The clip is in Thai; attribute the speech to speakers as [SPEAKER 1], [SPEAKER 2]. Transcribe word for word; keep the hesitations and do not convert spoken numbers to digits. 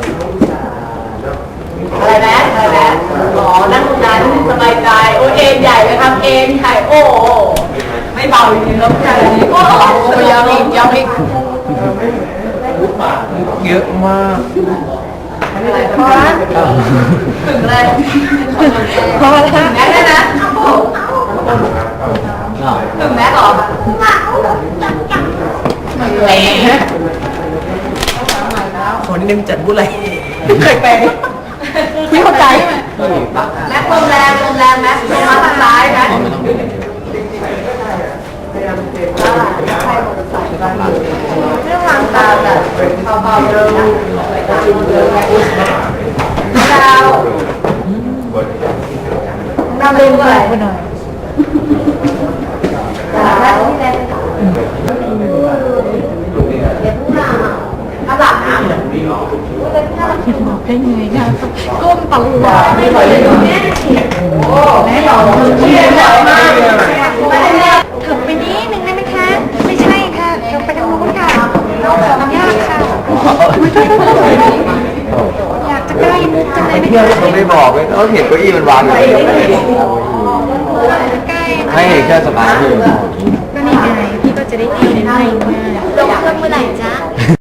[SPEAKER 1] อะไรนะอะไรนะอ๋อนั่งนานสบายใจโอเอ็นใหญ่เลยครับเอ็นใหญ่โอ้ไม่เบาจริงๆแล้วผู้ชายคนนี้โอ้ยอมอีกยอมอีก
[SPEAKER 2] เยอะมาก
[SPEAKER 1] อะไรพอถึงเลยพอแล้วแม็กได้นะถึงแม็กหรอเอ๊ะ
[SPEAKER 2] คนนี้จัดบุไร
[SPEAKER 1] เคยเป็นพี่เข้าใจแม็กลมแรงลมแรงแม็กลมมาทางซ้ายนะเรื่องวางตาแบบเบาๆเดินดาวดาวเล่นอะไรไปหน่อยดาวที่เล่นถ้าหลับนะ
[SPEAKER 3] บอกได้ไงนะก้มตลอด
[SPEAKER 1] ไม่เคยดูแม่โอ้แม่หล่อเชี่ยหล่อมาก
[SPEAKER 3] ถึงไปนิดนึงได้ไหมคะไม่ใช่ค่ะเดี๋ยวไปทางโน้นค่ะเราขออนุญาตค่ะอยากจะใกล้มุกจังเลยนะคะ
[SPEAKER 2] เขาไม่บอกเลยเขาเห็นเก้าอี้มันวางอยู่
[SPEAKER 3] ใกล้
[SPEAKER 2] ไม่เห็นแค่สบายที่
[SPEAKER 3] ก็นี่ไงพี่ก็จะได้เที่ยวในไร่ง่ายลงเครื่องเมื่อไหร่จ๊ะ